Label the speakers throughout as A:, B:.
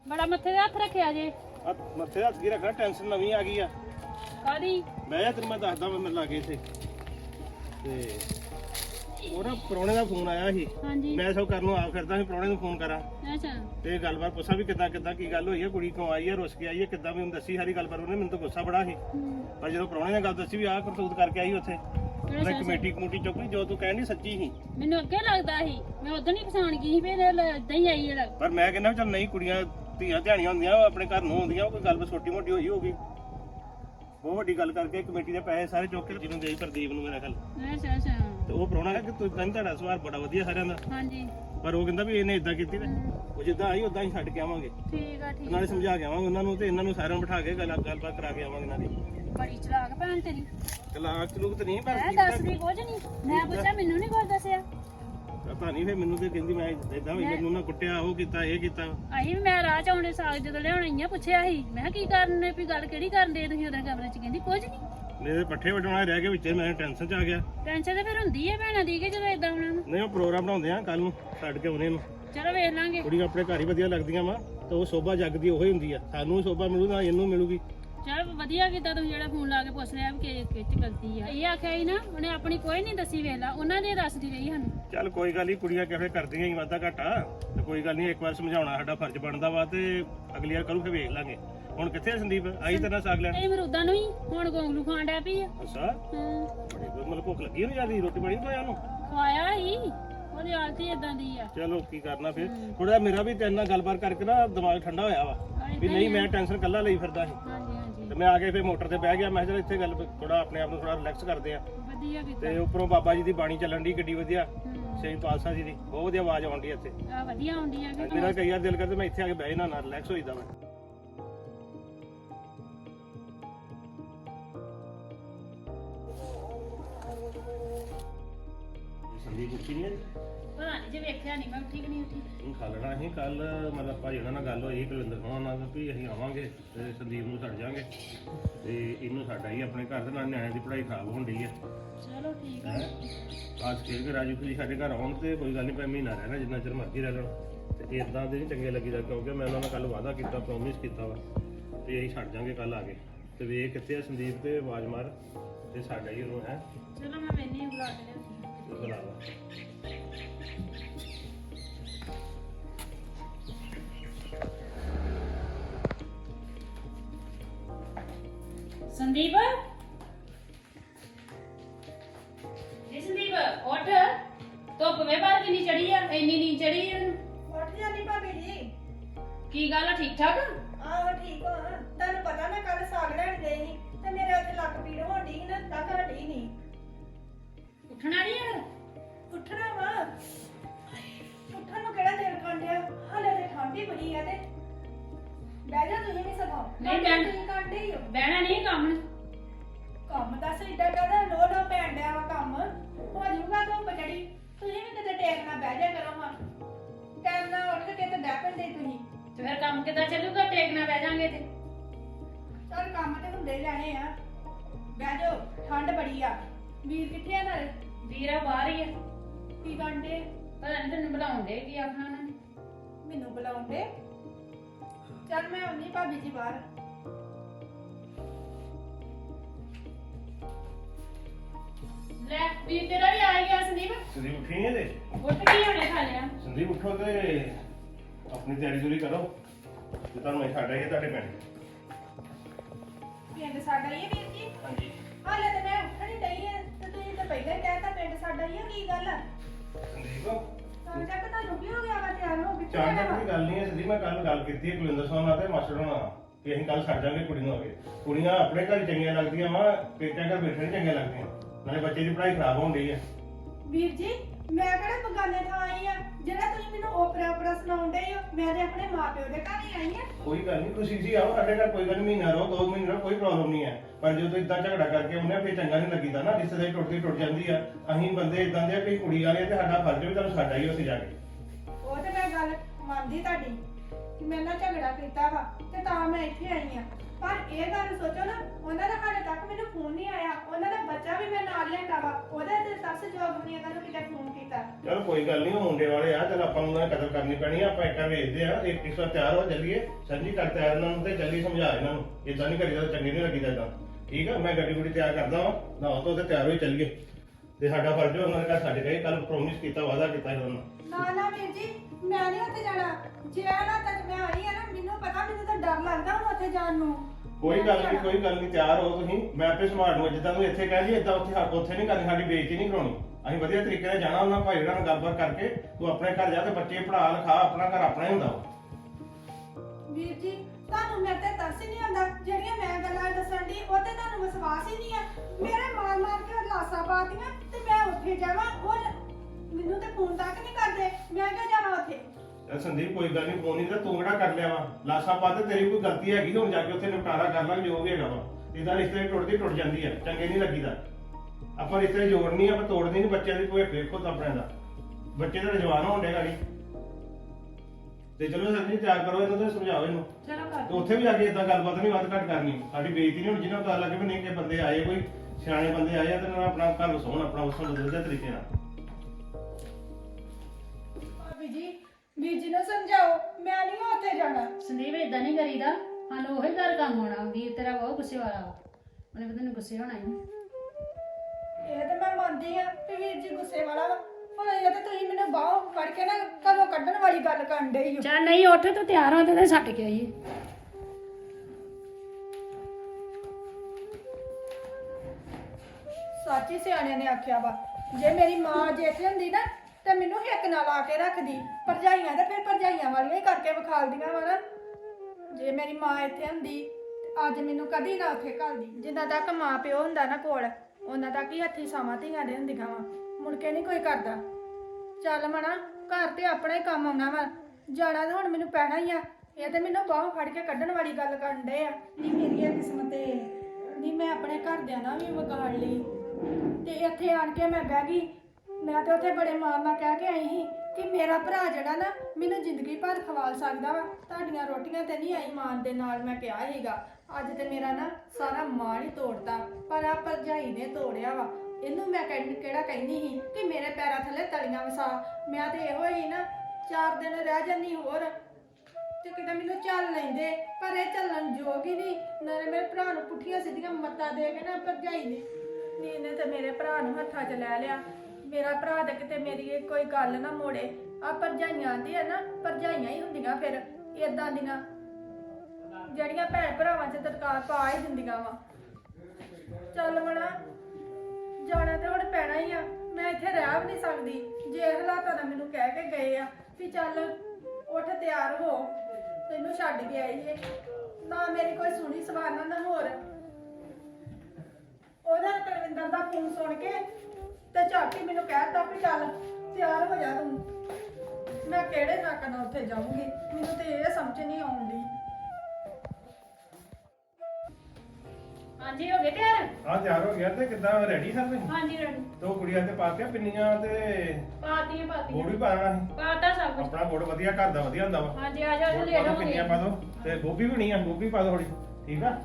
A: ਬੜਾ ਮੱਥੇ ਦੇ ਹੱਥ ਰੱਖਿਆ ਜੇ।
B: ਮੱਥੇ ਹੱਥ ਕੀ ਰੱਖਣਾ, ਟੈਨਸ਼ਨ ਨਵੀਂ ਆ ਗਈ ਆ।
A: ਕਾਦੀ?
B: ਬਹਿ ਜਾ ਤੈਨੂੰ ਮੈਂ ਦੱਸਦਾ ਮੈਂ ਲਾਗੇ ਇੱਥੇ। ਤੇ ਉਹਦਾ ਪ੍ਰਾਹੁਣੇ ਦਾ ਫੋਨ ਆਇਆ ਸੀ।
A: ਹਾਂਜੀ।
B: ਮੈਂ ਸਭ ਕਰਨ ਨੂੰ ਆ ਫਿਰਦਾ ਸੀ ਪ੍ਰਾਹੁਣੇ ਨੂੰ ਫੋਨ ਕਰਾਂ
A: ਅੱਛਾ।
B: ਤੇ ਗੱਲਬਾਤ ਪੁੱਛਾਂ ਵੀ ਕਿੱਦਾਂ ਕੀ ਗੱਲ ਹੋਈ ਆ, ਕੁੜੀ ਕਿਉਂ ਆਈ ਆ, ਰੁੱਸ ਕੇ ਆਈ ਆ, ਕਿੱਦਾਂ ਮੈਨੂੰ ਦੱਸੀ ਸਾਰੀ ਗੱਲਬਾਤ। ਉਹਨੇ ਮੈਨੂੰ ਤਾਂ ਗੁੱਸਾ ਬੜਾ ਸੀ, ਪਰ ਜਦੋਂ ਪ੍ਰਾਹੁਣੇ ਨੇ ਗੱਲ ਦੱਸੀ ਵੀ ਆਹ ਕਰਤੂਤ ਕਰਕੇ ਆਈ ਉੱਥੇ, ਉਹਨੇ ਕਮੇਟੀ ਚੁੱਕੀ। ਜੋ ਤੂੰ ਕਹਿੰਦੀ ਸੱਚੀ ਸੀ।
A: ਮੈਨੂੰ ਅੱਗੇ ਲੱਗਦਾ ਸੀ, ਮੈਂ ਉਦੋਂ ਨਹੀਂ ਪਛਾਣ ਗਈ ਸੀ ਵੀ ਇਦਾਂ ਹੀ ਆਈ ਹੈ।
B: ਪਰ ਮੈਂ ਕਹਿੰਦਾ ਚੱਲ ਨਹੀਂ, ਕੁੜੀਆਂ ਧੀਆਂ ਧਿਆਣੀਆਂ ਹੁੰਦੀਆਂ, ਆਪਣੇ ਘਰ ਨੂੰ ਆਉਂਦੀਆਂ, ਕੋਈ ਗੱਲ ਛੋਟੀ ਮੋਟੀ ਹੋਈ ਹੋਊਗੀ। ਬਹੁਤ ਵੱਡੀ ਗੱਲ ਕਰਕੇ ਕਮੇਟੀ ਦੇ ਪੈਸੇ ਸਾਰੇ ਚੁੱਕ ਕੇ ਜਿਹਨੂੰ ਦੇਈ ਪ੍ਰਦੀਪ ਨੂੰ ਮੇਰਾ ਖਿਆਲ।
A: ਅੱਛਾ ਅੱਛਾ।
B: ਤੇ ਉਹ ਪ੍ਰਾਹੁਣਾ ਕਹਿੰਦਾ ਕਿ ਤੂੰ ਕਹਿੰਦਾ ਤੁਹਾਡਾ ਸੁਭਾਅ ਬੜਾ ਵਧੀਆ ਸਾਰਿਆਂ ਦਾ।
A: ਹਾਂਜੀ।
B: ਪਰ ਉਹ ਕਹਿੰਦਾ ਵੀ ਇਹਨੇ ਇਦਾਂ ਕੀਤੀ ਤੇ ਉਹ ਜਿੱਦਾਂ ਆਈ ਉਦਾਂ ਹੀ ਛੱਡ ਕੇ ਆਵਾਂਗੇ।
A: ਠੀਕ ਆ ਠੀਕ।
B: ਨਾਲੇ ਸਮਝਾ ਕੇ ਆਵਾਂਗੇ ਉਹਨਾਂ ਨੂੰ ਤੇ ਇਹਨਾਂ ਨੂੰ ਸਾਰਿਆਂ ਨੂੰ ਬਿਠਾ ਕੇ ਗੱਲਬਾਤ ਕਰਾ ਕੇ ਆਵਾਂਗੇ ਇਹਨਾਂ ਦੀ।
A: ਬੜੀ ਚਲਾਕ ਭੈਣ ਤੇਰੀ।
B: ਚਲਾਕ ਚਲੂਕ ਤੇ ਨਹੀਂ, ਪਰ
A: ਮੈਂ ਦੱਸਦੀ ਕੁਝ ਨਹੀਂ। ਮੈਂ ਪੁੱਛਿਆ ਮੈਨੂੰ ਨਹੀਂ ਕੁਝ ਦੱਸਿਆ।
B: ਪਤਾ ਨਹੀਂ, ਫੇਰ ਮੈਨੂੰ ਤੇ ਕਹਿੰਦੀ ਮੈਂ ਇਦਾਂ ਵੀ ਮੈਨੂੰ ਨਾ ਕੁੱਟਿਆ, ਉਹ ਕੀਤਾ, ਇਹ ਕੀਤਾ।
A: ਆਹੀ ਮੈਂ ਰਾਹ ਚ ਆਉਣੇ ਸਾਗ ਜਦੋਂ ਲਿਆਉਣਾ ਪੁੱਛਿਆ ਸੀ, ਮੈਂ ਕਿਹਾ ਕੀ ਕਰਨ ਵੀ ਗੱਲ ਕਿਹੜੀ ਕਰਨ ਦੇ ਤੁਸੀਂ ਉਹਦੇ ਕਮਰੇ ਚ? ਕਹਿੰਦੀ ਕੁਝ ਨਹੀਂ।
B: ਮੇਰੇ ਪੱਠੇ ਵਟਾਉਣਾ ਰਹਿ ਗਏ ਵਿੱਚ, ਮੈਂ ਟੈਨਸ਼ਨ ਚ ਆ ਗਿਆ।
A: ਟੈਨਸ਼ਨ ਤਾਂ ਫਿਰ ਹੁੰਦੀ ਹੈ ਭੈਣਾਂ ਦੀ ਕਿ ਜਦੋਂ ਇਦਾਂ ਹੋਣਾ।
B: ਨਹੀਂ ਉਹ ਪ੍ਰੋਗਰਾਮ ਬਣਾਉਂਦੇ ਆ ਕੱਲ ਨੂੰ, ਛੱਡ ਕੇ ਆਉਣੇ ਇਹਨੂੰ।
A: ਚਲੋ ਵੇਖ ਲਾਂਗੇ।
B: ਕੁੜੀਆਂ ਆਪਣੇ ਘਰ ਹੀ ਵਧੀਆ ਲੱਗਦੀਆਂ ਵਾ, ਤੇ ਉਹ ਸੋਭਾ ਜਗਦੀ ਉਹੀ ਹੁੰਦੀ ਆ। ਸਾਨੂੰ ਸੋਭਾ ਮਿਲੂ ਨਾ ਇਹਨੂੰ ਮਿਲੂਗੀ।
A: ਚਲ ਵਧੀਆ ਕੀਤਾ ਤੁਸੀਂ ਜਿਹੜਾ ਫੋਨ ਲਾ ਕੇ ਪੁੱਛ ਲਿਆ ਵੀ ਕਿੱਚ ਗਲਤੀ ਆ। ਇਹ ਆਖਿਆ ਸੀ ਨਾ ਉਹਨੇ ਆਪਣੀ ਕੋਈ ਨਹੀਂ ਦੱਸੀ, ਵੇਖ ਲਾ ਉਹਨਾਂ ਦੇ ਦੱਸਦੀ ਰਹੀ ਸਾਨੂੰ।
B: ਚੱਲ ਕੋਈ ਗੱਲ ਨਹੀਂ, ਕੁੜੀਆਂ ਕਿਵੇਂ ਕਰਦੀਆਂ ਹੀ ਵਾਧਾ ਘਾਟਾ, ਤੇ ਕੋਈ ਗੱਲ ਨਹੀਂ, ਇੱਕ ਵਾਰ ਸਮਝਾਉਣਾ ਸਾਡਾ ਫਰਜ਼ ਬਣਦਾ ਵਾ, ਤੇ ਅਗਲੀ ਵਾਰ ਕਰੂ ਫੇਰ ਵੇਖ ਲਾਂਗੇ। ਹੁਣ ਕਿੱਥੇ ਆ ਸੰਦੀਪ? ਆਈ ਤੇਰਾ ਸਾਗ ਲੈਣ?
A: ਇਹ ਮਰੂਦਾਂ ਨੂੰ ਹੀ ਹੁਣ ਗੋਂਗਲੂ ਖਾਣ ਡਿਆ ਪਈ ਆ।
B: ਅੱਛਾ,
A: ਹਾਂ
B: ਬੜੀ ਮਤਲਬ ਭੁੱਖ ਲੱਗੀ ਹੋਣੀ ਜਿਆਦੀ, ਰੋਟੀ ਪਾਣੀ ਖਵਾਇਆ ਉਹਨੂੰ?
A: ਖਵਾਇਆ ਹੀ, ਉਹਦੀ ਹਾਲਤ ਹੀ ਇਦਾਂ ਦੀ ਆ।
B: ਚਲੋ ਕੀ ਕਰਨਾ ਫਿਰ, ਥੋੜਾ ਮੇਰਾ ਵੀ ਤੇਰੇ ਨਾਲ ਗੱਲਬਾਤ ਕਰਕੇ ਨਾ ਦਿਮਾਗ ਠੰਡਾ ਹੋਇਆ ਵਾ ਵੀ ਨਹੀਂ ਮੈਂ ਟੈਨਸ਼ਨ ਕੱਲਾ ਲਈ ਫਿਰਦਾ ਸੀ।
A: ਹਾਂਜੀ ਹਾਂਜੀ।
B: ਤੇ ਮੈਂ ਆ ਕੇ ਫਿਰ ਮੋਟਰ ਤੇ ਬਹਿ ਗਿਆ। ਮੈਂ ਕਿਹਾ ਇੱਥੇ ਗੱਲ ਥੋੜਾ ਆਪਣੇ ਆਪ ਨੂੰ ਥੋੜਾ ਰਿਲੈਕਸ ਕਰਦੇ ਆ।
A: ਵਧੀਆ ਕੀਤਾ।
B: ਤੇ ਉੱਪਰੋਂ ਬਾਬਾ ਜੀ ਦੀ ਬਾਣੀ ਚੱਲਣ ਦੀ ਗੱਡੀ ਵਧੀਆ, ਸਹੀ ਪਾਤਸ਼ਾਹ ਜੀ ਦੀ ਬਹੁਤ ਵਧੀਆ ਆਵਾਜ਼ ਆਉਂਦੀ ਇੱਥੇ।
A: ਆ ਵਧੀਆ ਆਉਂਦੀ ਆ ਕਿ
B: ਮੇਰਾ ਕਈ ਵਾਰ ਦਿਲ ਕਰਦਾ ਮੈਂ ਇੱਥੇ ਆ ਕੇ ਬਹਿ ਜਾਣਾ, ਰਿਲੈਕਸ ਹੋ ਜਾਂਦਾ ਮੈਂ। ਸੰਦੀਪ ਉੱਠੀ ਨਹੀਂ ਅਜੇ?
A: ਪਤਾ ਨਹੀਂ ਜੇ ਵੇਖਿਆ ਨਹੀਂ ਮੈਂ ਉੱਠੀ ਕਿ ਨਹੀਂ ਉੱਠੀ।
B: ਇਹ ਖਾ ਲੈਣਾ ਸੀ ਕੱਲ, ਮਤਲਬ ਭਾਈ ਉਹਨਾਂ ਨਾਲ ਗੱਲ ਹੋਈ ਕੁਲਿੰਦਰ ਹੋਣਾ ਨਾਲ ਵੀ ਅਸੀਂ ਆਵਾਂਗੇ ਤੇ ਸੰਦੀਪ ਨੂੰ ਛੱਡ ਜਾਾਂਗੇ, ਤੇ ਇਹਨੂੰ ਸਾਡਾ ਹੀ ਆਪਣੇ ਘਰ ਦੇ ਨਾਲ ਨਿਆਣਿਆਂ ਦੀ ਪੜ੍ਹਾਈ ਖਰਾਬ ਹੋਣ ਡਈ ਹੈ।
A: ਚਲੋ ਠੀਕ ਆ।
B: ਅੱਜ ਖੇਡ ਕੇ ਰਾਜੂ ਜੀ ਸਾਡੇ ਘਰ ਆਉਣ ਤੇ ਕੋਈ ਗੱਲ ਨਹੀਂ, ਭਾਵੇਂ ਮਹੀਨਾ ਰਹਿਣਾ ਜਿੰਨਾ ਚਿਰ ਮਰਜ਼ੀ ਰਹਿ ਲੈਣ, ਤੇ ਇਦਾਂ ਦੇ ਨਹੀਂ ਚੰਗੇ ਲੱਗੀਦਾ, ਕਿਉਂਕਿ ਮੈਂ ਉਹਨਾਂ ਨਾਲ ਕੱਲ ਵਾਅਦਾ ਕੀਤਾ, ਪ੍ਰੋਮਿਸ ਕੀਤਾ ਵਾ ਤੇ ਅਸੀਂ ਛੱਡ ਜਾਾਂਗੇ ਕੱਲ ਆ ਕੇ। ਤੇ ਵੇਖ ਕਿੱਥੇ ਆ ਸੰਦੀਪ, ਤੇ ਆਵਾਜ਼ ਮਾਰ, ਤੇ ਸਾਡਾ ਹੀ ਉਹਨੂੰ ਹੈ।
A: ਚਲੋ ਮੈਂ ਵੇਨੀ ਬੁਲਾ ਕੇ ਲਿਆਉਂਦੀ।
B: ਬੁਲਾ ਲਾ।
A: ਸੰਦੀਪ ਜੀ, ਸੰਦੀਪ ਉੱਠ, ਧੁੱਪ ਵੇ ਬਾਹਰ ਕਿੰਨੀ ਚੜੀ ਆ, ਇੰਨੀ ਨੀਂਦ ਚੜੀ ਆ ਇਹਨੂੰ।
C: ਉੱਠ ਜਾਂਦੀ ਭਾਬੀ ਜੀ।
A: ਕੀ ਗੱਲ ਆ, ਠੀਕ ਠਾਕ?
C: ਆਹੋ ਠੀਕ ਹੋ। ਤੁਹਾਨੂੰ ਪਤਾ ਮੈਂ ਕੱਲ ਸਾਗ ਲੈਣ ਗਈ ਸੀ ਤੇ ਮੇਰੇ ਉੱਤੇ ਲੱਕ ਪੀੜ ਹੋਣ ਡਈ ਸੀ ਨਾ, ਤੱਕ ਹਟੀ ਨਹੀਂ।
A: ਉੱਠਣਾ ਨਹੀਂ ਹੈ?
C: ਉੱਠਣਾ ਵਾ, ਉੱਠਣ ਨੂੰ ਕਿਹੜਾ ਦਿਲ ਕਾਂਡਿਆ, ਹਾਲੇ ਤੇ ਠੰਡ ਹੀ ਬੜੀ ਆ। ਤੇ ਬਹਿ ਜਾ ਤੁਸੀਂ ਵੀ ਸਗੋਂ।
A: ਨਹੀਂ ਬਹਿਣ-
C: ਤੁਸੀਂ ਕਾਂਡੇ ਹੀ ਹੋ।
A: ਬਹਿਣਾ ਨਹੀਂ ਕੰਮ ਨੂੰ।
C: ਕੰਮ ਦੱਸ ਏਡਾ ਕਹਦਾ ਲੋ ਲੋ ਪੈਣ ਡਿਆ ਵਾ, ਕੰਮ ਹੋ ਜਾਊਗਾ ਧੁੱਪ ਚੜੀ। ਤੁਸੀਂ ਵੀ ਕਿਤੇ ਟੇਕ ਨਾਲ ਬਹਿ ਜਾ ਕਰੋ ਹਾਂ, ਟਾਈਮ ਨਾਲ ਉੱਠ ਕੇ ਤੇ ਡੈ ਪੈਂਦੇ ਤੁਸੀਂ।
A: ਤੇ ਫਿਰ ਕੰਮ ਕਿੱਦਾਂ ਚੱਲੂਗਾ? ਟੇਕ ਨਾ ਬਹਿ ਜਾਾਂਗੇ ਤੇ।
C: ਚੱਲ ਕੰਮ ਤੇ ਹੁੰਦੇ ਜਾਣੇ ਆ, ਬਹਿ ਜਾਓ, ਠੰਡ ਬੜੀ ਆ। ਵੀਰ ਕਿੱਥੇ ਆ ਨਾਲੇ?
A: ਵੀਰਾ ਬਾਹਰ ਹੀ ਆ।
C: ਕੀ ਕਾਂਡੇ?
A: ਪਤਾ ਨਹੀਂ ਤੈਨੂੰ ਬੁਲਾਉਂਦੇ, ਕੀ ਆਖਣਾ ਉਹਨਾਂ ਨੇ।
C: ਮੈਨੂੰ ਬੁਲਾਉਂਦੇ? ਚੱਲ ਮੈਂ ਆਉਣੀ ਭਾਬੀ ਜੀ ਬਾਹਰ।
A: ਲੈ ਵੀਰ ਤੇਰਾ ਵੀ ਆ ਗਿਆ। ਸੰਦੀਪ
B: ਸੰਦੀਪ ਉੱਠੀ ਨਹੀਂ ਅਜੇ?
A: ਉੱਠ ਕੇ ਹੁਣੇ ਖਾ ਲਿਆ।
B: ਸੰਦੀਪ ਉੱਠੋ ਤੇ ਆਪਣੀ ਤਿਆਰੀ ਜ਼ਰੂਰੀ ਕਰੋ, ਤੇ ਤੁਹਾਨੂੰ ਮੈਂ ਛੱਡ ਆਈਏ ਤੁਹਾਡੇ ਪਿੰਡ।
C: ਪਿੰਡ ਸਾਡਾ ਹੀ ਹੈ ਵੀਰ ਜੀ?
B: ਹਾਂਜੀ।
C: ਹਾਲੇ ਤੇ ਮੈਂ ਉੱਠਣ ਹੀ ਡਈ ਆ ਤੇ ਤੁਸੀਂ ਤਾਂ ਪਹਿਲਾਂ ਹੀ ਕਹਿਤਾ ਪਿੰਡ ਸਾਡਾ ਹੀ ਆ। ਕੀ ਗੱਲ ਆ?
B: ਸੰਦੀਪ
C: ਤੁਹਾਨੂੰ ਚੱਕ ਤੁਹਾਨੂੰ ਕੀ ਹੋ ਗਿਆ ਵਾ? ਤਿਆਰ ਹੋ ਕਿੱਥੇ
B: ਚਾਹ
C: ਜਾਣਾ ਵਾ?
B: ਕੋਈ ਗੱਲ ਨਹੀਂ ਹੈ ਸੰਦੀਪ, ਮੈਂ ਕੱਲ ਗੱਲ ਕੀਤੀ ਹੈ ਕੁਲਿੰਦਰ ਸਾਹਿਬ ਨਾਲ ਤੇ ਮਾਸਟਰ ਨਾਲ ਕਿ ਅਸੀਂ ਕੱਲ ਛੱਡ ਜਾਾਂਗੇ ਕੁੜੀ ਨੂੰ ਆ ਕੇ। ਕੁੜੀਆਂ ਆਪਣੇ ਘਰ ਚੰਗੀਆਂ ਲੱਗਦੀਆਂ ਵਾ, ਪੇਕਿਆਂ ਘਰ ਬੈਠੇ ਨਹੀਂ ਚੰਗੀਆਂ ਲੱਗਦੀਆਂ, ਨਾਲੇ ਬੱਚੇ ਦੀ ਪੜ੍ਹਾਈ ਖਰਾਬ ਹੋਣ ਡਈ ਹੈ।
C: ਵੀਰ ਜੀ ਮੈਂ ਕਿਹੜਾ ਬਗਾਨੇ ਥਾਂ ਆਈ ਆ ਜਿਹੜਾ ਤੁਸੀਂ ਮੈਨੂੰ ਓਪਰਾ ਸੁਣਾਉਣ ਡਏ ਹੋ? ਮੈਂ ਤੇ ਆਪਣੇ ਮਾਪਿਓ ਦੇ ਘਰ ਹੀ ਆਈ ਆ।
B: ਕੋਈ ਗੱਲ ਨਹੀਂ, ਤੁਸੀਂ ਜੀ ਆਓ ਸਾਡੇ ਘਰ, ਕੋਈ ਗੱਲ ਨਹੀਂ, ਮਹੀਨਾ ਰਹੋ 2 ਮਹੀਨੇ ਰਹੋ, ਕੋਈ ਪ੍ਰੋਬਲਮ ਨਹੀਂ ਹੈ। ਪਰ ਜਦੋਂ ਇਦਾਂ ਝਗੜਾ ਕਰਕੇ ਉਹਨੇ ਫਿਰ ਚੰਗਾ ਨਹੀਂ ਲੱਗੀਦਾ ਨਾ, ਰਿਸ਼ਤੇਦਾਰੀ ਟੁੱਟ ਜਾਂਦੀ ਆ। ਅਸੀਂ ਬੰਦੇ ਇਦਾਂ ਦੇ ਆ ਕਿ ਕੁੜੀ ਵਾਲੇ, ਤੇ ਸਾਡਾ ਫਰਜ਼ ਵੀ ਤੁਹਾਨੂੰ ਸਾਡਾ ਹੀ ਉੱਥੇ ਜਾ ਕੇ।
C: ਉਹ ਤੇ ਮੈਂ ਗੱਲ ਮੰਨਦੀ ਤੁਹਾਡੀ ਕਿ ਮੈਂ ਨਾਲ ਝਗੜਾ ਕੀਤਾ ਵਾ ਤੇ ਤਾਂ ਮੈਂ ਇੱਥੇ ਆਈ ਆ, ਪਰ ਇਹ ਗੱਲ ਸੋਚੋ ਨਾ, ਉਹਨਾਂ ਦਾ ਹਾਲੇ ਤੱਕ ਮੈਨੂੰ ਫੋਨ ਨਹੀਂ ਆਇਆ। ਉਹਨਾਂ ਦਾ ਬੱਚਾ ਵੀ ਵੀ ਮੈਂ ਨਾਲ ਲਿਆਂਦਾ ਵਾ ਉਹਦੇ ਤੇ ਦੱਸ ਜੋਗਨੀਆਂ ਨੂੰ ਕਿਤੇ ਫੋਨ ਕੀਤਾ।
B: ਚਲ ਕੋਈ ਗੱਲ ਨਹੀਂ, ਉਹ ਮੁੰਡੇ ਵਾਲੇ ਆ, ਚਲ ਆਪਾਂ ਨੂੰ ਉਹਨਾਂ ਦੀ ਕਦਰ ਕਰਨੀ ਪੈਣੀ ਆ। ਆਪਾਂ ਇੱਕਾ ਵੇਚਦੇ ਆ, ਇੱਕ ਵਾਰ ਤਿਆਰ ਹੋ ਚੱਲੀਏ, ਸੰਜੀ ਕਰ ਤਿਆਰ ਇਹਨਾਂ ਨੂੰ ਤੇ ਜਲਦੀ ਸਮਝਾ ਇਹਨਾਂ ਨੂੰ, ਇਦਾਂ ਨਹੀਂ ਕਰੀਦਾ, ਚੰਗੀ ਨਹੀਂ ਲੱਗੀਦਾ ਇਦਾਂ। ਠੀਕ ਆ, ਮੈਂ ਗੱਡੀ ਗੁੱਡੀ ਤਿਆਰ ਕਰਦਾ ਵਾਂ, ਨਾ ਤੋਂ ਤੇ ਤਿਆਰ ਹੋਈ ਚੱਲੀਏ। ਤੇ ਸਾਡਾ ਫਰਜ਼ ਉਹਨਾਂ ਦੇ ਘਰ ਛੱਡ ਗਏ, ਕੱਲ ਪ੍ਰੋਮਿਸ ਕੀਤਾ, ਵਾਅਦਾ ਕੀਤਾ ਇਹਨਾਂ ਨੂੰ।
C: ਨਾ ਵੀਰ ਜੀ, ਮੈਂ ਨਹੀਂ ਉੱਥੇ ਜਾਣਾ। ਜੇ ਨਾ ਤੱਕ ਮੈਂ ਆਈ ਆ ਨਾ, ਮੈਨੂੰ ਪਤਾ, ਮੈਨੂੰ ਤਾਂ ਡਰ ਲੱਗਦਾ ਹੁਣ ਉੱਥੇ ਜਾਣ ਨੂੰ।
B: ਕੋਈ ਗੱਲ ਨਹੀਂ, ਕੋਈ ਗੱਲ ਨਹੀਂ, ਤਿਆਰ ਹੋ ਤੁਸੀਂ, ਮੈਂ ਆਪੇ ਸੰਭਾਲ ਲੂੰਗਾ। ਜਿੱਦਾਂ ਤੂੰ ਇੱਥੇ ਕਹਿੰਦੀ ਏਦਾਂ ਉੱਥੇ ਨਹੀਂ ਕਰਨੀ, ਸਾਡੀ ਬੇਇੱਜ਼ਤੀ ਨਹੀਂ ਕਰਾਉਣੀ। ਅਸੀਂ ਵਧੀਆ ਤਰੀਕੇ ਨਾਲ ਜਾਣਾ, ਉਹਨਾਂ ਭਾਈ ਨਾਲ ਗੱਲਬਾਤ ਕਰਕੇ। ਤੂੰ ਆਪਣੇ ਘਰ ਜਾ ਤੇ ਬੱਚੇ ਪੜ੍ਹਾ ਲਿਖਾ, ਆਪਣਾ ਘਰ ਆਪਣਾ ਹੀ ਹੁੰਦਾ ਵਾ।
C: ਵੀਰ ਜੀ, ਤੁਹਾਨੂੰ ਮੇਰੇ ਤੇ ਤਰਸ ਹੀ ਨਹੀਂ ਆਉਂਦਾ? ਜਿਹੜੀਆਂ ਮੈਂ ਗੱਲਾਂ ਦੱਸਣ ਦੀ ਉਹ ਤੇ ਤੁਹਾਨੂੰ ਵਿਸ਼ਵਾਸ ਹੀ ਨਹੀਂ ਆ। ਮੇਰੇ ਮਾਰ ਮਾਰ ਕੇ ਲਾਸਾਂ ਪਾਤੀਆਂ ਤੇ ਮੈਂ ਉੱਥੇ ਜਾਵਾਂ, ਉਹ ਮੈਨੂੰ ਤੇ ਫੋਨ ਤੱਕ ਨਹੀਂ ਕਰਦੇ। ਮੈਂ ਕਿਹਾ ਜਾਵਾਂ ਉੱਥੇ?
B: ਸੰਦੀਪ ਕੋਈ ਗੱਲ ਨਹੀਂ, ਫੋਨ ਨਹੀਂ ਤਾਂ ਤੂੰ ਕਿਹੜਾ ਕਰ ਲਿਆ ਵਾ, ਲਾਸਾਂ ਪਾ ਤੇ ਤੇਰੀ ਕੋਈ ਗਲਤੀ ਹੈਗੀ, ਹੁਣ ਜਾ ਕੇ ਉੱਥੇ ਨਿਪਟਾਰਾ ਕਰ ਲਾਂਗੇ ਜੋ ਵੀ ਹੈਗਾ ਵਾ। ਇਦਾਂ ਰਿਸ਼ਤੇ ਟੁੱਟਦੀ ਟੁੱਟ ਜਾਂਦੀ ਆ, ਚੰਗੇ ਨਹੀਂ ਲੱਗੀਦਾ। ਆਪਾਂ ਰਿਸ਼ਤੇ ਜੋੜਨੀ, ਆਪਾਂ ਤੋੜਨੀ ਨਹੀਂ। ਬੱਚਿਆਂ ਦੀ ਭਵਿੱਖ ਵੇਖੋ ਤਾਂ ਆਪਣੇ ਦਾ, ਬੱਚੇ ਤਾਂ ਜਵਾਨ ਹੋਣ ਡੇ ਗਾੜੀ। ਤੇ ਚਲੋ ਸੰਦੀਪ ਤਿਆਰ ਕਰੋ, ਇਹਨਾਂ ਨੂੰ ਸਮਝਾਓ ਇਹਨੂੰ।
A: ਚਲੋ ਕਰ
B: ਤੇ ਉੱਥੇ ਵੀ ਜਾ ਕੇ ਇਦਾਂ ਗੱਲਬਾਤ ਨਹੀਂ ਵੱਧ ਘੱਟ ਕਰਨੀ, ਸਾਡੀ ਬੇਇੱਜ਼ਤੀ ਨਹੀਂ ਹੁਣ। ਜਿਹਨਾਂ ਨੂੰ ਪਤਾ ਲੱਗੇ ਵੀ ਨਹੀਂ ਕਿ ਬੰਦੇ ਆਏ, ਕੋਈ ਸਿਆਣੇ ਬੰਦੇ ਆਏ ਆ, ਤੇ ਨਾਲ ਆਪਣਾ ਘਰ ਵਸਾਉਣ, ਆਪਣਾ ਵਸਾਉਣ ਦੇ ਤਰੀਕੇ ਨਾਲ।
C: ਭਾਬੀ ਜੀ, ਵੀਰ ਜੀ ਨੂੰ ਸਮਝਾਓ, ਮੈਂ ਨਹੀਂ ਉੱਥੇ ਜਾਣਾ।
A: ਸੰਦੀਪ ਇਦਾਂ ਨਹੀਂ ਕਰੀਦਾ, ਸਾਨੂੰ ਉਹੀ ਗੱਲ ਕੰਮ ਹੋਣਾ। ਵੀਰ ਤੇਰਾ ਬਹੁਤ ਗੁੱਸੇ ਵਾਲਾ ਵਾ, ਉਹਨੇ ਪਤਾ ਨਹੀਂ ਗੁੱਸੇ ਹੋਣਾ ਹੀ।
C: ਇਹ ਤਾਂ ਮੈਂ ਮੰਨਦੀ ਆ ਕਿ ਵੀਰ ਜੀ ਗੁੱਸੇ ਵਾਲਾ ਵਾ। ਹੁਣ ਇਹ ਤਾਂ ਤੁਸੀਂ ਮੈਨੂੰ ਬਾਹੋਂ ਫੜ ਕੇ ਨਾ ਘਰੋਂ ਕੱਢਣ ਵਾਲੀ ਗੱਲ ਕਰਨ ਡਈ ਹੋ।
A: ਚੱਲ ਨਹੀਂ, ਉੱਠ ਤੂੰ ਤਿਆਰ ਹੋ ਤੇ ਛੱਡ ਕੇ ਆਈਏ।
C: ਸੱਚੀ ਸਿਆਣਿਆਂ ਨੇ ਆਖਿਆ ਵਾ, ਜੇ ਮੇਰੀ ਮਾਂ ਜੇ ਇੱਥੇ ਹੁੰਦੀ ਨਾ ਤੇ ਮੈਨੂੰ ਹਿੱਕ ਨਾਲ ਲਾ ਕੇ ਰੱਖਦੀ। ਭਰਜਾਈਆਂ ਤੇ ਫਿਰ ਭਰਜਾਈਆਂ ਵਾਲੀਆਂ ਹੀ ਕਰਕੇ ਵਿਖਾਲਦੀਆਂ ਵਾ ਨਾ। ਜੇ ਮੇਰੀ ਮਾਂ ਇੱਥੇ ਹੁੰਦੀ ਤੇ ਅੱਜ ਮੈਨੂੰ ਕਦੀ ਨਾ ਉੱਥੇ ਘੱਲਦੀ। ਜਿੰਨਾ ਤੱਕ ਮਾਂ ਪਿਓ ਹੁੰਦਾ ਨਾ ਕੋਲ, ਉਹਨਾਂ ਤੱਕ ਹੀ ਹੱਥੀ ਸਾਵਾਂ ਧੀਆਂ ਦੇ ਹੁੰਦੀਆਂ ਵਾ, ਮੁੜ ਕੇ ਨਹੀਂ ਕੋਈ ਕਰਦਾ। ਚੱਲ ਮਣਾ, ਘਰ ਤੇ ਆਪਣਾ ਹੀ ਕੰਮ ਆਉਣਾ ਵਾ, ਜਾਣਾ ਤਾਂ ਹੁਣ ਮੈਨੂੰ ਪੈਣਾ ਹੀ ਆ। ਇਹ ਤੇ ਮੈਨੂੰ ਬਾਹੋਂ ਫੜ ਕੇ ਕੱਢਣ ਵਾਲੀ ਗੱਲ ਕਰਨ ਡੇ ਆ। ਨਹੀਂ ਮੇਰੀ ਇਹ ਕਿਸਮਤ ਏ, ਨਹੀਂ ਮੈਂ ਆਪਣੇ ਘਰਦਿਆਂ ਨਾਲ ਵੀ ਵਿਗਾੜ ਲਈ ਤੇ ਇੱਥੇ ਆਣ ਕੇ ਮੈਂ ਬਹਿ ਗਈ। ਮੈਂ ਤੇ ਉੱਥੇ ਬੜੇ ਮਾਣ ਨਾਲ ਕਹਿ ਕੇ ਆਈ ਸੀ ਕਿ ਮੇਰਾ ਭਰਾ ਜਿਹੜਾ ਨਾ ਮੈਨੂੰ ਜ਼ਿੰਦਗੀ ਭਰ ਖਵਾਲ ਸਕਦਾ ਵਾ, ਤੁਹਾਡੀਆਂ ਰੋਟੀਆਂ ਤੇ ਨਹੀਂ ਆਈ। ਮਾਣ ਦੇ ਨਾਲ ਮੈਂ ਕਿਹਾ ਸੀਗਾ। ਅੱਜ ਤੇ ਮੇਰਾ ਨਾ ਸਾਰਾ ਮਾਣ ਹੀ ਤੋੜਤਾ, ਪਰ ਆ ਭਰਜਾਈ ਨੇ ਤੋੜਿਆ ਵਾ। ਇਹਨੂੰ ਮੈਂ ਕਿਹੜਾ ਕਹਿੰਦੀ ਸੀ ਕਿ ਮੇਰੇ ਪੈਰਾਂ ਥੱਲੇ ਤਲੀਆਂ ਵਸਾ। ਮੈਂ ਤੇ ਇਹੋ ਹੀ ਨਾ 4 ਦਿਨ ਰਹਿ ਜਾਂਦੀ ਹੋਰ ਤੇ ਕਿਤੇ ਮੈਨੂੰ ਚੱਲ ਲੈਂਦੇ, ਪਰ ਇਹ ਚੱਲਣ ਯੋਗ ਹੀ ਨਹੀਂ। ਨਾਲੇ ਮੇਰੇ ਭਰਾ ਨੂੰ ਪੁੱਠੀਆਂ ਸਿੱਧੀਆਂ ਮੱਤਾਂ ਦੇ ਕੇ ਨਾ ਭਰਜਾਈ ਨੇ ਇਹਨੇ ਤੇ ਮੇਰੇ ਭਰਾ ਨੂੰ ਹੱਥਾਂ 'ਚ ਲੈ ਲਿਆ। ਮੇਰਾ ਭਰਾ ਤੇ ਕਿਤੇ ਮੇਰੀ ਇਹ ਕੋਈ ਗੱਲ ਨਾ ਮੋੜੇ। ਆ ਭਰਜਾਈਆਂ ਆਂਦੀਆਂ ਨਾ, ਭਰਜਾਈਆਂ ਹੀ ਹੁੰਦੀਆਂ ਫਿਰ ਏਦਾਂ ਦੀਆਂ, ਜਿਹੜੀਆਂ ਭੈਣ ਭਰਾਵਾਂ 'ਚ ਤਤਕਾਰ ਪਾ ਹੀ ਦਿੰਦੀਆਂ ਵਾ। ਚੱਲ ਮਣਾ, ਜਾਣਾ ਤੇ ਹੁਣ ਪੈਣਾ ਹੀ ਆ। ਮੈਂ ਇੱਥੇ ਰਹਿ ਵੀ ਨਹੀਂ ਸਕਦੀ। ਜੇ ਹਾਲਾਤਾਂ ਦਾ ਮੈਨੂੰ ਕਹਿ ਕੇ ਗਏ ਆ ਵੀ ਚੱਲ ਉੱਠ ਤਿਆਰ ਹੋ, ਤੈਨੂੰ ਛੱਡ ਕੇ ਆਈਏ, ਨਾ ਮੇਰੀ ਕੋਈ ਸੁਣੀ ਸਵਾਰਨਾ ਨਾ ਹੋਰ। ਉਹਦਾ ਕੁਲਵਿੰਦਰ ਦਾ ਫੋਨ ਸੁਣ ਕੇ ਤੇ ਝੱਟ ਹੀ ਮੈਨੂੰ ਕਹਿਤਾ ਵੀ ਚੱਲ ਤਿਆਰ ਹੋ ਜਾ ਤੂੰ। ਮੈਂ ਕਿਹੜੇ ਨੱਕ ਨਾਲ ਉੱਥੇ ਜਾਊਂਗੀ, ਮੈਨੂੰ ਤੇ ਇਹ ਸਮਝ ਨਹੀਂ ਆਉਂਦੀ।
A: ਹਾਂਜੀ, ਹੋ ਗਏ ਤਿਆਰ?
B: ਹਾਂ ਤਿਆਰ ਹੋ ਗਿਆ। ਤੇ ਕਿੱਦਾਂ ਰੈਡੀ ਸਰ ਤੁਸੀਂ?
A: ਹਾਂਜੀ ਰੈਡੀ।
B: ਦੋ ਕੁੜੀਆਂ ਤੇ ਪਾਤੀਆਂ ਪਿੰਨੀਆਂ ਤੇ
A: ਪਾਤੀਆਂ
B: ਗੁੜ ਵੀ ਪਾਣਾ ਸੀ।
A: ਪਾਤਾ ਸਭ ਕੁਝ।
B: ਆਪਣਾ ਗੁੜ ਵਧੀਆ ਘਰ ਦਾ ਵਧੀਆ ਹੁੰਦਾ ਵਾ।
A: ਹਾਂਜੀ ਆ ਜਾਓ,
B: ਗੁੜ
A: ਲੇਟ
B: ਪਾ ਦਿਓ,
A: ਹੋ
B: ਪਿੰਨੀਆਂ
A: ਗਏ।
B: ਪਾ ਦਿਓ ਤੇ ਗੋਭੀ ਵੀ ਨਹੀਂ ਆ, ਗੋਭੀ ਪਾ ਦਿਓ ਥੋੜੀ। ਠੀਕ ਆ,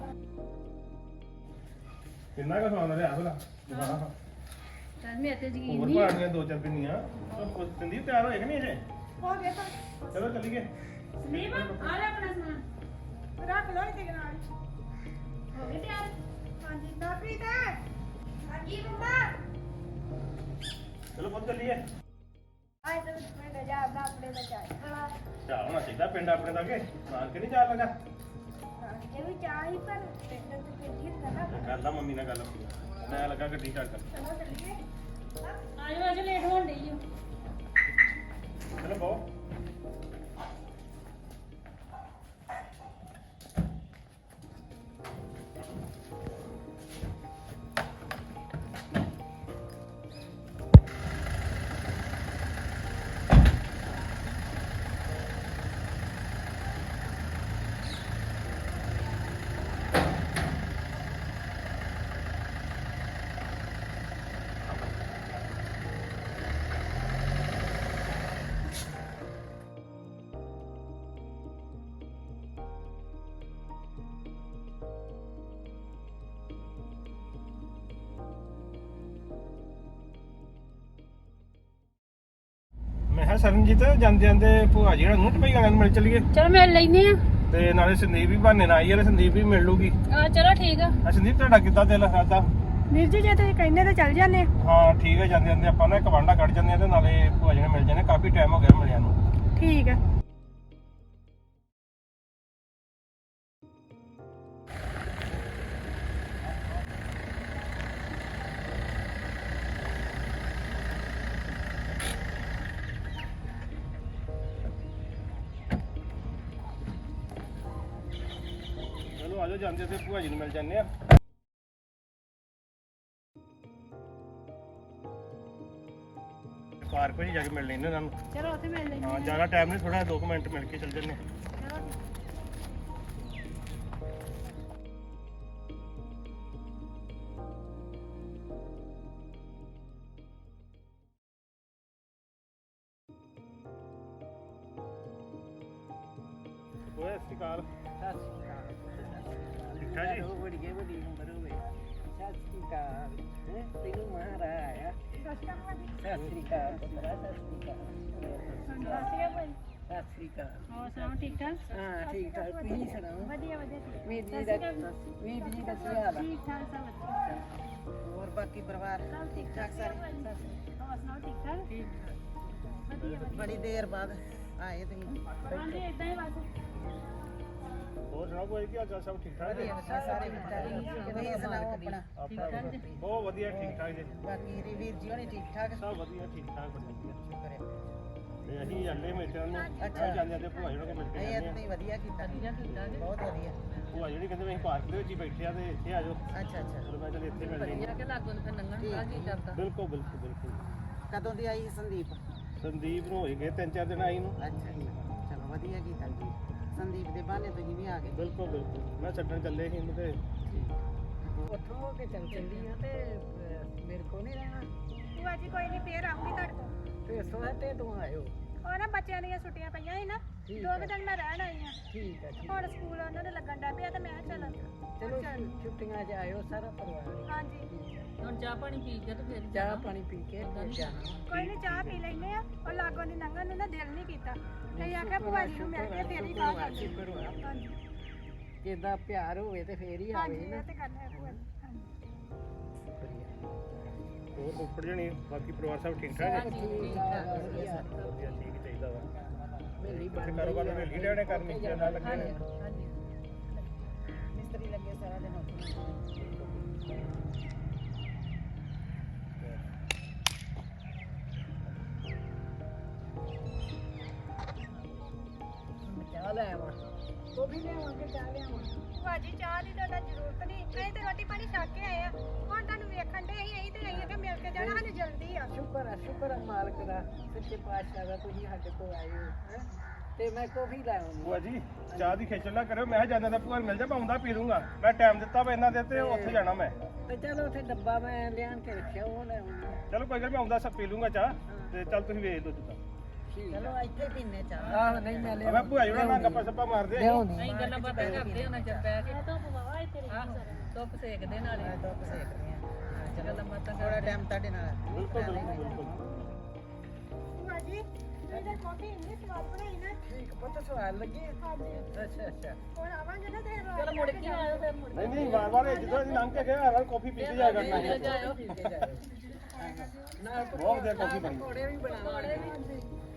B: ਕਿੰਨਾ ਕੁ ਸਵਾਦ ਰਿਹਾ ਭਲਾ।
A: ਚੱਲ ਮੇਰੇ ਤੇ ਯਕੀਨ
B: ਹੋਰ
A: ਨਹੀਂ।
B: ਪਾਣੀਆਂ 2-4 ਪਿੰਨੀਆਂ। ਸੰਦੀਪ ਤਿਆਰ ਹੋਏਗਾ ਨਹੀਂ ਅਜੇ?
C: ਹੋ ਗਿਆ ਤਾਂ
B: ਚਲੋ ਚੱਲੀਏ।
A: ਸੰਦੀਪ ਆ ਲੈ ਆਪਣਾ ਸਮਾਨ।
C: ਰੱਖ ਲਓ ਇਹਦੇ ਨਾਲ।
A: ਹੋ ਗਏ ਤਿਆਰ?
C: ਹਾਂਜੀ ਨਾਪ੍ਰੀਤ। ਹਾਂਜੀ ਮੰਮਾ।
B: ਚਲੋ ਪੁੱਤ ਚੱਲੀਏ।
C: ਆਏ ਤਾਂ ਮੈਂ ਜਾ ਆਪਣੇ ਦਾ ਚਾਹ।
B: ਚਾਹ ਹੋਣਾ ਚਾਹੀਦਾ ਪਿੰਡ ਆਪਣੇ ਦਾ, ਕੇ ਨਾਲ ਕਿ ਨਹੀਂ ਚਾਹ ਲਗਾ।
C: ਇਹ ਵੀ ਚਾਹ ਹੀ, ਪਰ ਪਿੰਡ ਤੇ ਪਿੰਡ ਹੀ ਹੁੰਦਾ ਨਾ।
B: ਕਰ ਲਾ ਮੰਮੀ ਨਾਲ ਗੱਲ ਆਪਣੀ, ਮੈਂ ਲੱਗਾ ਗੱਡੀ ਚੱਲ ਕਰ।
C: ਚਲੋ ਚੱਲੀਏ।
A: ਆ ਜਾਓ, ਅੱਜ ਲੇਟ ਹੋਣ ਡਈ ਓ।
B: ਚਲੋ ਬਹੁ। ਕਿਹਾ ਸਰਨਜੀਤ ਜਾਂਦੇ ਜਾਂਦੇ ਭੂਆ ਜੀ ਨੂੰ ਟਪਈ ਵਾਲਿਆਂ ਨੂੰ ਮਿਲ ਚਲੀਏ
A: ਚਲੋ ਮਿਲ ਲੈਨੇ ਆ।
B: ਤੇ ਨਾਲੇ ਸੰਦੀਪ ਵੀ ਬਹਾਨੇ ਨਾਲ ਆਈ ਆ, ਸੰਦੀਪ ਵੀ ਮਿਲ ਲੂਗੀ।
A: ਚਲੋ ਠੀਕ ਆ।
B: ਸੰਦੀਪ ਤੁਹਾਡਾ ਕਿੱਦਾਂ ਦਿਲ ਕਰਦਾ?
C: ਵੀਰ ਜੀ ਜੇ ਤੁਸੀਂ ਕਹਿੰਦੇ ਤਾਂ ਚੱਲ ਜਾਂਦੇ।
B: ਹਾਂ ਠੀਕ ਹੈ, ਜਾਂਦੇ ਜਾਂਦੇ ਆਪਾਂ ਨਾ ਇੱਕ ਵਾਂਡਾ ਕੱਢ ਜਾਂਦੇ ਆ ਤੇ ਨਾਲੇ ਭੂਆ ਜੀ ਨੂੰ ਮਿਲ ਜਾਂਦੇ, ਕਾਫੀ ਟਾਈਮ ਹੋ ਗਿਆ ਮਿਲਿਆ ਨੂੰ।
C: ਠੀਕ ਹੈ।
B: ਚਲੋ ਆਜੋ, ਜਾਂਦੇ ਤੇ ਭੂਆ ਜੀ ਨੂੰ ਮਿਲ ਜਾਂਦੇ ਆ। ਪਾਰਕ ਵਿੱਚ ਜਾ ਕੇ ਮਿਲ ਲੈਂਦੇ ਇਹਨਾਂ ਨੂੰ।
A: ਚਲੋ ਉੱਥੇ ਮਿਲ ਲੈਨੇ
B: ਹਾਂ ਜ਼ਿਆਦਾ ਟਾਈਮ ਨਹੀਂ, ਥੋੜਾ 2 ਮਿੰਟ ਮਿਲ ਕੇ ਚੱਲ ਜੰਨੇ। ਓਏ ਸਤਿ ਸ਼੍ਰੀ ਅਕਾਲ। ਠੀਕ ਠਾਕ ਜੀ?
A: ਹੋਰ ਸੁਣਾਓ ਠੀਕ ਠਾਕ?
D: ਠੀਕ ਠਾਕ ਤੁਸੀਂ ਸੁਣਾਓ
A: ਵਧੀਆ ਵਧੀਆ
D: ਵੀਰ ਜੀ ਦਾ ਕੀ ਹਾਲ ਆ?
A: ਠੀਕ ਠਾਕ ਸਭ ਵਧੀਆ।
D: ਹੋਰ ਬਾਕੀ ਪਰਿਵਾਰ
A: ਸਭ
D: ਠੀਕ ਠਾਕ ਸਾਰੇ?
A: ਹੋਰ ਸੁਣਾਓ ਠੀਕ ਠਾਕ? ਵਧੀਆ
D: ਬੜੀ ਦੇਰ ਬਾਅਦ ਆਏ ਤੁਸੀਂ।
A: ਹਾਂਜੀ ਇਦਾਂ ਹੀ ਬਸ।
B: ਹੋਰ ਸੁਣਾਓ ਕੋਈ ਕੀ ਹਾਲ ਚਾਲ? ਸਭ ਠੀਕ ਠਾਕ ਜੀ?
D: ਵਧੀਆ ਵਧੀਆ ਸਾਰੇ ਠੀਕ ਠਾਕ ਤੁਸੀਂ ਸੁਣਾਓ ਆਪਣਾ?
B: ਆਪਣਾ ਬਹੁਤ ਵਧੀਆ, ਠੀਕ ਠਾਕ ਜੀ।
D: ਬਾਕੀ ਵੀਰ ਜੀ ਹੋਣੀ ਠੀਕ ਠਾਕ?
B: ਸਭ ਵਧੀਆ, ਠੀਕ ਠਾਕ, ਬੜੀ ਵਧੀਆ।
D: ਸ਼ੁਕਰ ਹੈ।
B: ਤੇ ਅਸੀਂ ਜਾਂਦੇ ਮੇਟਾਂ ਨੂੰ
D: ਅੱਛਾ।
B: ਜਾਂਦੇ ਜਾਂਦੇ ਭੂਆ ਜੀ ਨੂੰ ਮਿਲ ਕੇ
D: ਇਹ
B: ਜਾਂਦੇ ਆ।
D: ਤੁਸੀਂ ਵਧੀਆ ਕੀਤਾ ਬਹੁਤ ਵਧੀਆ।
B: ਭੂਆ ਜਿਹੜੀ ਕਹਿੰਦੇ ਵੀ ਅਸੀਂ ਪਾਰਕ ਦੇ ਵਿੱਚ ਹੀ ਬੈਠੇ ਆ ਤੇ ਇੱਥੇ ਆ ਜਾਓ।
D: ਅੱਛਾ ਅੱਛਾ
B: ਚਲੋ ਮੈਂ ਚੱਲ ਇੱਥੇ ਮਿਲ ਜਾਂਦੇ। ਬਿਲਕੁਲ ਬਿਲਕੁਲ ਬਿਲਕੁਲ।
D: ਕਦੋਂ ਦੀ ਆਈ ਸੰਦੀਪ?
B: ਸੰਦੀਪ ਨੂੰ ਹੋਏ ਗਏ 3-4 ਦਿਨ ਆਈ ਨੂੰ।
D: ਅੱਛਾ ਜੀ, ਚਲੋ ਵਧੀਆ ਕੀਤਾ ਜੀ। ਸੰਦੀਪ ਦੇ ਬਹਾਨੇ ਤੁਸੀਂ ਵੀ ਆ ਗਏ।
B: ਬਿਲਕੁਲ ਬਿਲਕੁਲ, ਮੈਂ ਛੱਡਣ ਚੱਲੇ ਸੀ ਇਹਨੂੰ ਤੇ
D: ਉੱਥੋਂ ਹੋ ਕੇ ਚੱਲੀ ਆ ਤੇ ਮੇਰੇ ਕੋਲ ਨਹੀਂ ਰਹਿਣਾ।
C: ਭੂਆ ਜੀ ਕੋਈ ਨਹੀਂ, ਫੇਰ ਆਉਂਗੀ ਤੁਹਾਡੇ ਕੋਲ।
D: ਤੇ ਸੋਹਣੇ ਤੇ ਤੂੰ ਆਇਓ।
C: ਉਹ ਨਾ ਬੱਚਿਆਂ ਦੀਆਂ ਛੁੱਟੀਆਂ ਪਈਆਂ ਸੀ ਨਾ, 2 ਦਿਨ ਮੈਂ ਰਹਿਣ ਆਈ ਆ।
D: ਠੀਕ ਹੈ ਠੀਕ।
C: ਹੁਣ ਸਕੂਲ ਉਹਨਾਂ ਦੇ ਲੱਗਣ ਡਿਆ ਪਿਆ ਤੇ ਮੈਂ ਕਿਹਾ
D: ਚਲੋ ਛੁੱਟੀਆਂ 'ਚ ਆਇਓ ਸਾਰਾ ਪਰਿਵਾਰ।
C: ਹਾਂਜੀ
E: ਹੁਣ ਚਾਹ ਪਾਣੀ ਪੀ ਕੇ ਤੇ ਫਿਰ
D: ਚਾਹ ਪਾਣੀ ਪੀ ਕੇ ਫਿਰ ਜਾਣਾ।
C: ਕੋਈ ਨਹੀਂ, ਚਾਹ ਪੀ ਲੈਨੇ ਆ। ਉਹ ਲਾਗੋਂ ਦੀ ਲੰਘਣ ਨੂੰ ਨਾ ਦਿਲ ਨਹੀਂ ਕੀਤਾ ਤੇ ਆਖਿਆ ਭੂਆ ਜੀ ਨੂੰ ਮਿਲ ਕੇ ਫੇਰ ਹੀ ਕਾਹ ਕਰਦੇ।
D: ਸ਼ੁਕਰ ਹੋਇਆ।
C: ਹਾਂਜੀ
D: ਜਿੱਦਾਂ ਪਿਆਰ ਹੋਵੇ ਤੇ ਫੇਰ ਹੀ
C: ਹਾਂਜੀ
D: ਆਵੇ ਨਾ।
C: ਇਹ ਤੇ ਕਰਨਾ ਹੈ ਭੂਆ ਜੀ। ਹਾਂਜੀ
B: ਹੋਰ ਉੱਪਰ ਜਣੀ ਬਾਕੀ ਪਰਿਵਾਰ ਸਭ ਠੀਕ ਠਾਕ ਹੈ?
D: ਠੀਕ ਠਾਕ ਵਧੀਆ।
B: ਵਧੀਆ, ਠੀਕ ਹੀ ਚਾਹੀਦਾ ਵਾ।
D: ਮੇਰੀ
B: ਤੇ ਕਾਰੋਬਾਰ ਤਾਂ ਵੇਲੀ ਲੈਣੇ ਕਰਨੀ ਚ ਨਾਲ ਲੱਗੇ ਨੇ।
D: ਹਾਂਜੀ ਮਿਸਤਰੀ ਲੱਗੇ ਸਾਰਾ ਦਿਨ ਉੱਥੇ। ਚਾਹ ਲੈ ਆਵਾਂ? ਉਹ ਵੀ ਲੈ ਆਵਾਂ ਕਿ ਚਾਹ ਲੈ ਆਵਾਂ?
C: ਭੂਆ ਜੀ ਚਾਹ ਦੀ ਤਾਂ ਜ਼ਰੂਰਤ ਨਹੀਂ, ਅਸੀਂ ਤੇ ਰੋਟੀ ਪਾਣੀ ਛਕ ਕੇ ਆਏ ਆ। ਹੁਣ ਤੁਹਾਨੂੰ ਵੇਖਣ ਦੇ ਅਸੀਂ ਤੇ ਆਈਏ ਕਿ ਮਿਲ ਕੇ ਜਾਣਾ, ਸਾਨੂੰ ਜਲਦੀ ਆ।
D: ਸ਼ੁਕਰ ਆ ਮਾਲਕ ਦਾ, ਸੱਚੇ ਪਾਤਸ਼ਾਹ ਦਾ, ਤੁਸੀਂ ਸਾਡੇ ਕੋਲ ਆਏ ਹੋ ਹੈਂ। ਤੇ ਮੈਂ ਕੌਫੀ ਲੈ ਆਉਂਗੀ।
B: ਭੂਆ ਜੀ ਚਾਹ ਦੀ ਖੇਚਲ ਨਾ ਕਰਿਓ, ਮੈਂ ਜਾਂਦਾ ਤਾਂ ਭੂਆ ਨੂੰ ਮਿਲ ਜਾ, ਮੈਂ ਆਉਂਦਾ ਪੀ ਲੂੰਗਾ। ਮੈਂ ਟਾਈਮ ਦਿੱਤਾ ਵਾ ਇਹਨਾਂ ਦੇ ਤੇ ਉੱਥੇ ਜਾਣਾ ਮੈਂ।
D: ਤੇ ਚਲੋ ਉੱਥੇ ਡੱਬਾ ਮੈਂ ਲਿਆਣ ਕੇ ਰੱਖਿਆ, ਉਹ ਲੈ ਆਉਂਗੀ।
B: ਚਲੋ ਕੋਈ ਗੱਲ, ਮੈਂ ਆਉਂਦਾ ਸਭ ਪੀ ਲੂੰਗਾ ਚਾਹ। ਤੇ ਚੱਲ ਤੁਸੀਂ ਵੇਚ ਦਿਓ ਜਿੱਦਾਂ।
D: ਚਲੋ ਇੱਥੇ ਪੀਨੇ ਚਾਹ। ਆਹ ਨਹੀਂ ਮੈਂ ਲਿਆ।
B: ਮੈਂ ਭੂਆ ਜੀ ਨਾਲ ਗੱਪਾਂ ਸੱਪਾਂ ਮਾਰਦੇ ਆ।
D: ਲਿਆਉਣੀ।
E: ਅਸੀਂ ਗੱਲਾਂ ਬਾਤਾਂ ਕਰਦੇ ਉਹਨਾਂ ਚ ਬਹਿ ਕੇ
A: ਧੁੱਪ ਵਾਵਾ ਇੱਥੇ ਰਹੀ
E: ਧੁੱਪ ਸੇਕਦੇ ਨਾਲੇ
D: ਮੈਂ ਦੁੱਧ ਸੇਕ ਰਹੀ ਹਾਂ।
E: ਗੱਲਾਂ ਬਾਤਾਂ
D: ਥੋੜਾ ਟਾਈਮ ਤੁਹਾਡੇ ਨਾਲ।
B: ਬਿਲਕੁਲ ਬਿਲਕੁਲ ਬਿਲਕੁਲ।
C: ਭੂਆ ਜੀ ਇਹਦੇ ਕਾਫੀ ਇੰਨੀ ਸਵਾਦ ਬਣਾਈ ਨਾ।
D: ਠੀਕ ਪੁੱਤ ਸਵਾਲ ਲੱਗੀ।
C: ਹਾਂਜੀ
D: ਅੱਛਾ
C: ਹੁਣ ਆਵਾਂਗੇ ਨਾ ਤੇ
E: ਚਲੋ ਮੁੜ ਕੇ ਆਇਓ ਫਿਰ ਮੁੜ
B: ਨਹੀਂ ਨਹੀਂ, ਵਾਰ ਵਾਰ ਜਦੋਂ ਅਸੀਂ ਲੰਘ ਕੇ ਗਏ ਹਰ ਕਾਫੀ ਪੀਤੀ ਜਾਇਆ ਕਰਨਾ ਹੈ।
E: ਜਾਇਓ
D: ਠੀਕ ਹੈ ਜਾਇਓ। ਨਾਲ
B: ਬਹੁਤ ਵਧੀਆ ਕਾਫੀ ਬਣੀ।
D: ਪਕੌੜੇ ਵੀ ਬਣਾਵਾਂਗੇ।